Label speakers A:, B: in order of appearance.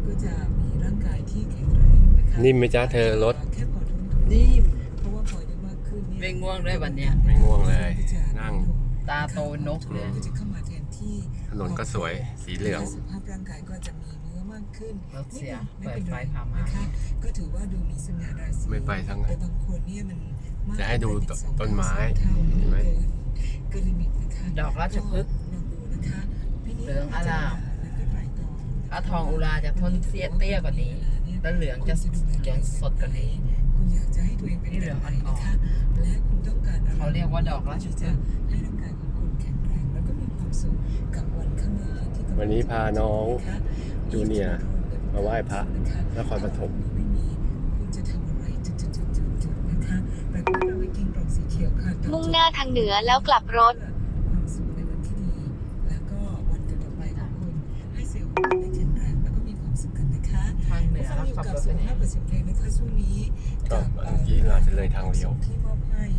A: ก็จะมีร่างกายที่แข็งแรงนะคะ
B: นิ่มไหมจ๊ะเธอรถ
A: แค่พอทนทน
C: นิ่ม
A: เพราะว่าพอได้มากขึ้นเนี่ย
C: ไม่ง่วงด้วยวันเนี้ย
B: ไม่ง่วงเลย นั่ง
C: ตาโตนกเลย
A: ก็จะเข้ามาแทนที่
B: ถนนก็สวยสีเหลือง
A: สุขภาพร่างกายก็จะมีเนื้อมากขึ้น
C: รถเสีย
A: ไม่
C: เปิ
A: เป็
C: ด
A: น
C: ไฟ
A: ไร
C: พามา
A: นะคะก็ถือว่าดูมีสง่าราศี
B: ไม่ไปทั้งนั้น
A: แต่บางคนเนี่ยมันมาก
B: จะให้ดู
A: ไปถึง
B: ต้นไม้
A: เท่า
B: เห็นไหม
A: เกินลิมิตนะคะ
C: ดอกราชพฤกษ์
A: ลองดูนะคะพี่นิด
C: เหลืองอร่าม
A: แล้วก็ไตรตรอง
C: ถ้าทองอุราจะทนเสียเตี้ยกว่านี้ แล้วเหลืองจะสดกว่านี้
A: คุณอยากจะให้ตัวเองเป็น
C: นี่เหลืองอ่อนๆ
A: นะคะและคุณต้องการอะไร
C: เขาเรียกว่าดอกราชพฤกษ์
A: ที่จะให้ร่างกายของคุณแข็งแรงแล้วก็มีความสุขกับวันข้างหน้าที่กำลัง
B: วันนี้พาน้อง
A: นะคะ
B: จูเนียร์มาไหว้พระนครปฐม
A: ไม่มีคุณจะทำอะไรจุดๆๆๆนะคะแต่ก็เราไปกินกล่องสีเขียวค่ะ
D: มุ่งหน้าทางเหนือแล้วกลับรถ
A: ความสุขในวันที่ดี แล้วก็วันต่อไปของคุณให้เซลล์ได้แข็งแรงแล้วก็มีความสุขกันนะคะ
C: ทางเหนือแล้ว
A: อยู่
C: ขับ
A: กับ
C: รถ
A: สุ
C: ไป
A: ข
C: ไหน
A: ภาพกับสิ่งเพลงนะคะช่วงนี้
B: ก็เมื่อกี้เราจะเลยทางเลี้ยว
A: ที่ม